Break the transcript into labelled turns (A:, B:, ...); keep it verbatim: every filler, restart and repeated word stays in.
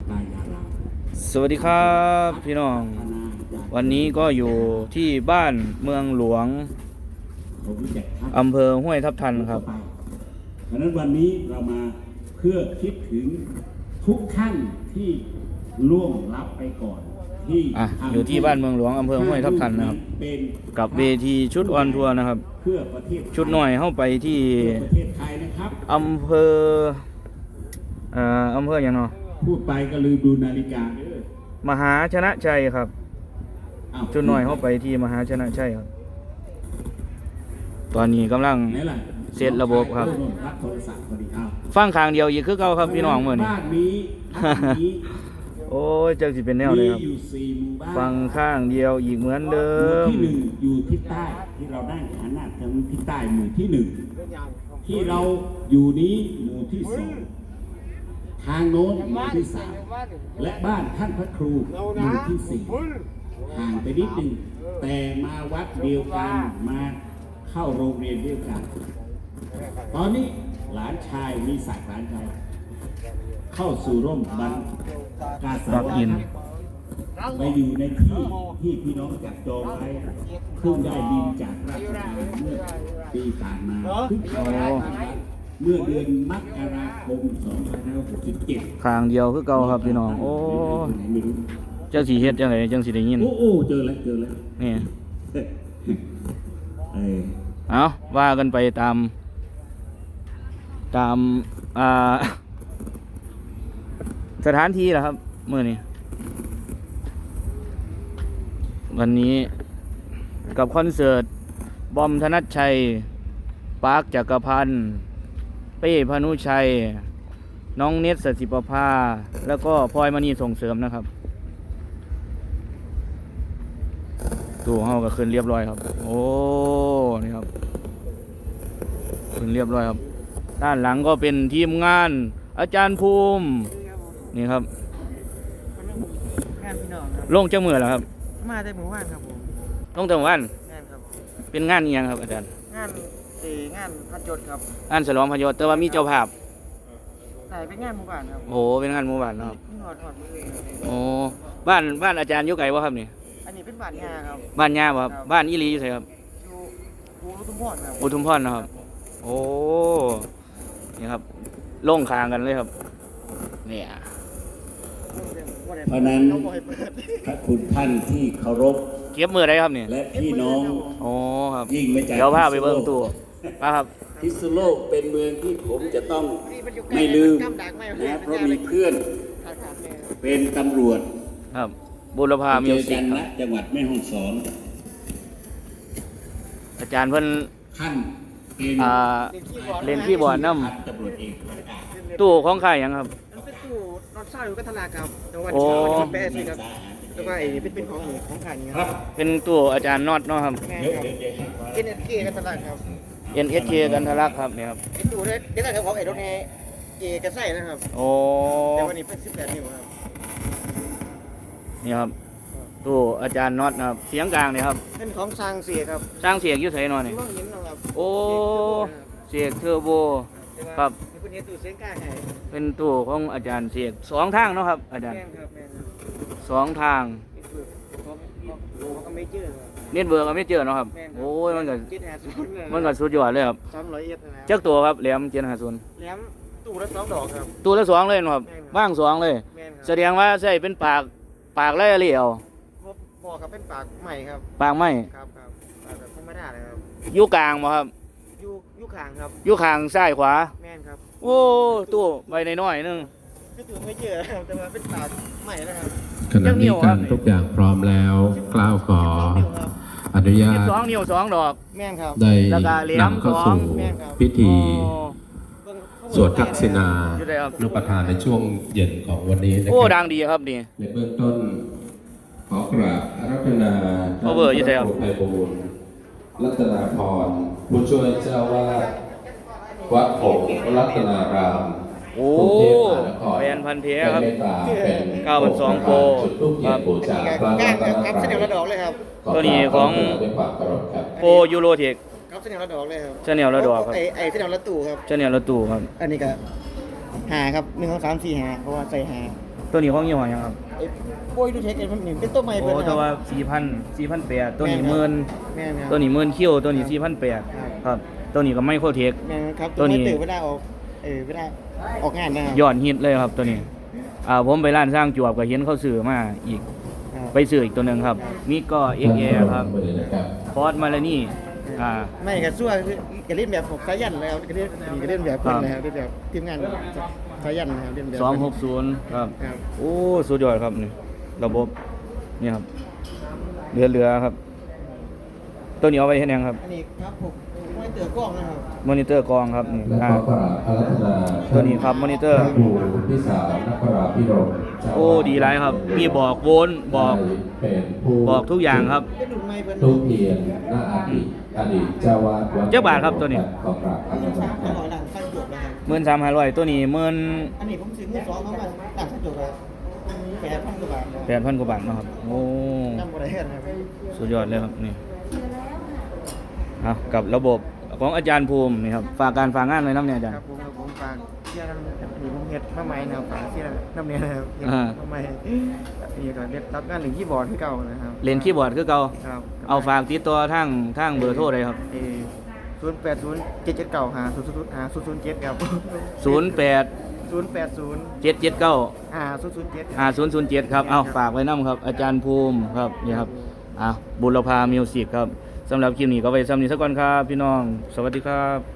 A: สวัสดีครับพี่น้องวันนี้ก็อยู่ที่บ้านเมืองหลวงอำเภอห้วยทับทันครับ
B: เพราะนั้นวันนี้เรามาเพื่อคิดถึงทุกท่านที่ล่วงลับไปก่อนที่
A: อ่ะอยู่ที่บ้านเมืองหลวงอำเภอห้วยทับทันนะครับกับเวทีชุดออนทัวร์นะครับชุดหน่อยเข้าไปที่อำเภอเอ่ออำเภออย่างเนาะ
B: พูดไปก็ลืมดูนาฬิกาเด้อ
A: มหาชนะชัยครับชุดหน่อยเข้าไปที่มหาชนะชัยครับตอนนี้กำลังเสร็จระบบครับฟังข้างเดียวอีกคือเก่าครับพี่น้องเมื่อนี้โอ้ยจังสิเป็นแนวเลยครับฟังข้างเดียวอีกเหมือนเดิม
B: ที่หนึ่งอยู่ทิศใต้ที่เราได้หันหน้าทางทิศใต้หมู่ที่หนึ่งที่เราอยู่นี้หมู่ที่สองทางโน้นหมู่ที่สามและบ้านท่านพระครูหมู่ที่สี่ห่างไปนิดหนึ่งแต่มาวัดเดียวกันมาเข้าโรงเรียนเดียวกันตอนนี้หลานชายมีศักดิ์หลานชายเข้าสู่ร่มบรรกาสาวอินไปอยู่ในที่ที่พี่น้องจับจองไว้เพิ่งได้ดินจากราชการเมื่อปีผ่านมาเพิ่งเข้าเมื่อเดือนมกราคมสองพันห้าร้อยหกสิบเจ็ด
A: ข้างเดียวคือเก่าครับพี่น้องโอ้เจ้าสีเฮ็ดจังไงจังสีได้ยิน
B: โอ้โอ้เจอแล้วเจอแล้ว
A: นี่เอาว่ากันไปตามตามอ่าสถานที่แหละครับเมื่อนี้วันนี้กับคอนเสิร์ตบอมธนัชชัยปาร์คจักรพันธ์เป้พานุชัยน้องเนตรสศิปภาแล้วก็พลอยมณีส่งเสริมนะครับตัวเฮาก็ขึ้นเรียบร้อยครับโอ้นี่ครับขึ้นเรียบร้อยครับด้านหลังก็เป็นทีมงานอาจารย์ภูมินี่ครับ
C: งานพี่น้องครับ
A: ลงเจ้ามือแล้วครับ
C: มาได้หมู่บ้านครับผม
A: ลงแต่หมู่บ้าน
C: งานครับ
A: เป็นงานอีหยังครับอาจารย์
C: งานเอองานพัดยศครับ
A: งานฉลองพยศแต่ว่ามีเจ้าภาพ
C: ใช่เป็นงานหมู่บ้านครับ
A: โอ้เป็นงานหมู่บ้านนะครับ
C: หอดหอดมือ
A: โอ้บ้านบ้านอาจารย์อยู่ไกลบ่ครับนี่
C: อันนี้เป็นบ้านงาครับ
A: บ้านงาบ่ครับบ้านอีหลีอยู่ไสครับ
C: อยู่อุทุมพรครับ
A: อุทุมพรนะครับโอ้นี่ครับลงคางกันเลยครับเนี่ย
B: เพราะนั้นพระคุณท่านที่เคารพ
A: เก็บมือได้ครับเนี่ย
B: และพี่น้อง
A: โอ้ครับ
B: ยิ่งไม่ใจ
A: เดี๋ยวพาไปเบิ่งตู้มาครับ
B: พิษณุโลกเป็นเมืองที่ผมจะต้องไม่ลืมนะเพราะมีเพื่อนเป็นตำรวจ
A: ครับบุรพามิวสิก
B: ครับจังหวัดแม่ฮ่องสอน
A: อาจารย์เพิ่น
B: ท่านเป็น
A: อ่าเล่นคีย์บอร์ดนำตู้ของใครยังครับ
C: เป็นตู้นอนเศร้าอยู่กันทลาครับจังหวัดเชียงใหม่แปดสิครับแล้วก็ไอ้เป็นเป็นของของขายนี่ครับ
A: เป็นตู้อาจารย์น็อตเนาะครับ
C: เอ็น เอส เค กันทลาครับ
A: เอ็น เอส เค กันทลักครับเนี่ยครับ
C: เป็นตู้ได้ได้แต่ของไอ้รถเอเอกันไส้นะครับ
A: โอ้
C: แต่วันนี้เป็นสิบแปดนิ้วครับ
A: นี่ครับตู้อาจารย์น็อตนะครับเสียงกลางเนี่ยครับ
C: เป็นของสร้างเสียครับ
A: สร้างเสียงยุ่ไสนอนนี่โอ้เสียงเทอร์โบครับ
C: เป็นตู้เสียงกลางให้
A: เป็นตู้ของอาจารย์เสียงสองทางเนาะครับอาจารย์สองทางเน็ตเวิร์กก็ไม่เจอเนาะครับโอ้ยมันก็มันก็สุดยอดเลยครับเจ้าตัวครับแหลมเจ็ดห้าศูนย์
C: แหลมตู้ละสองดอกครับ
A: ตู้ละสองเลยครับว่างสองเลยแสดงว่าใช่เป็นปากปากไล่เหลี่ยว
C: บอกครับเป็นปากใหม่ครับ
A: ปากใหม่
C: ครับครับปากแบบธรรมดาเลยครับ
A: อยู่กลางบ่ครับ
C: อยู่อยู่ข้างครับ
A: อยู่ข้างซ้ายขวา
C: แม่นครับ
A: โอ้ตู้ใบน้อยๆนึง
C: ก็ตู้ไม่เจอครับแต่ว่าเป็นปากใหม่นะครับ
D: ขณะนี้การทุกอย่างพร้อมแล้วกล่าวขออนุญาต
A: สองนิ้วสองดอก
C: แม่นครับ
D: ได้นำเข้าสู่พิธีสวดทักษิณานุปทานในช่วงเย็นของวันนี้นะครับ
A: โอ้ดังดีครับนี่
D: ในเบื้องต้นขอกราบอาราธนา
A: พระครู
D: ไพบูลย์รัตนาพรผู้ช่วยเจ้าวาดวัดหงส์รัตนาราม
A: โอ้แฟนพันธุ์เพียครับเก้าพันสองโปครับ
C: ครับเสนอระดอกเลยครับ
A: ตัวนี้ของโปยูโรเทค
C: ครับเสนอระดอกเลยครับ
A: เสนอระดอกครับ
C: ไอไอเสนอระตู่ครับ
A: เสนอระตู่ครับ
C: อันนี้ก็หาครับหนึ่งสองสามสี่หาเพราะว่าใส่หา
A: ตัวนี้ของยี่ห้อหยังครับ
C: ไอ้โบยดูเทคไอ้มันนี่เป็นตัวใหม่
A: โอ้
C: เพิ่นนะค
A: แต่
C: รับ
A: ว่าสี่พัน สี่พันแปดตัวนี้
C: แม่นครับ
A: หมื่น
C: แม่นครับ
A: ตัวนี้หมื่นคิวตัวนี้สี่พันแปด
C: ครับ
A: ครับตัวนี้ก็ไมโครเทค
C: แม่นครับ
A: ตัวนี้
C: ตื่นเวลาออกเออเวลาออกงานนะครับ
A: ยอดฮิตเลยครับตัวนี้อ่าผมไปร้านสร้างจวบก็เห็นเขาซื้อมาอีก
C: ครับ
A: ไปซื้ออีกตัวหนึงครับมีก็ เอ็กซ์ แอร์ ครับฟอร์ดมาลานี่อ่า
C: ไม่กับซั่วก็เล่นแบบของสายันเลยครับก็เล่นนี่ก็เล่นแบบเพิ่นนะครับเล่นแบบทีมงานสายันนะครับเล่นแบบ
A: สองหกศูนย์ครับ
C: ครับ
A: โอ้สุดยอดครับนี่ระบบนี่ครับเรือเรือครับ ตัวนี้เอาไว้เห็นยังครับ
C: อันนี้ครับผมไม่เตือกล้องนะครับ
A: มอนิเตอร์กองครับนี่
D: และ
A: อ่า
D: ก็กราบอารัธนา
A: ตัวนี้ครับมอนิเตอร์
D: พระครูพิสารนักปราพิรมเจ้า
A: โอ้ดีไรครับ มีบอกโวลต์บอก
D: เป็นผู้
A: บอกทุกอย่างครับ
C: เป็นรุ่นใหม่เพิ่น
D: ทุกเทียนหน้าอดีตอดีตเจ้าวาดวัด
A: เจ้าบาทครับตัวนี้
D: ขอกราบอารัธ
C: สา
D: นา
C: มพันร้อยหลังฟันจบนะครับ
A: หมื่นสามพันร้อยตัวนี้หมื่น
C: อันนี้ผมซื้อมือสองเขามาต่างฟันจบเลยแปดพันกว่าบาทนะ
A: แปดพันกว่าบาทเนาะครับโอ้
C: จำบ่ได้นะครับ
A: สุดยอดเลยครับนี่เอากับระบบของอาจารย์ภูมินี่ครับฝากการฝากงานเลยน้ำเนี่ยอาจาร
C: ครั
A: ย์
C: บผมครับผมฝากเชื่อน้ำนี่ผมเฮ็ดมาใหม่นะครับฝากเชื่อน้ำเนี่ยนะครับเฮ็ด
A: อ่า
C: มาใหม่นี่ก็เด็ดรับงานหนึ่งคีย์บอร์ดที่เก่านะครับ
A: เล่นคีย์บอร์ดคือเก่า
C: ครับ
A: เอาฝากติดตัวทางทางเบอร์โทรเลยครับ
C: ศูนย์แปดศูนย์เจ็ดเจ็ดเก้าหาศูนย์ศูนย์หาศูนย์ศูนย์เจ็ดครับ
A: ศูนย์แปด
C: ศูนย์แปดศูนย์
A: เจ็ดเจ็ดเก้า
C: หาศูนย์ศูนย์เจ็ด
A: ห้าศูนย์ศูนย์เจ็ดครับเอาฝากไว้น้ำครับ อาจารย์ภูมิครับนี่ครับอ่ะบุรพามิวสิกครับสำหรับคลิปนี้ก็ไว้ซ้ำนี้สักก่อนครับ พี่น้อง สวัสดีครับ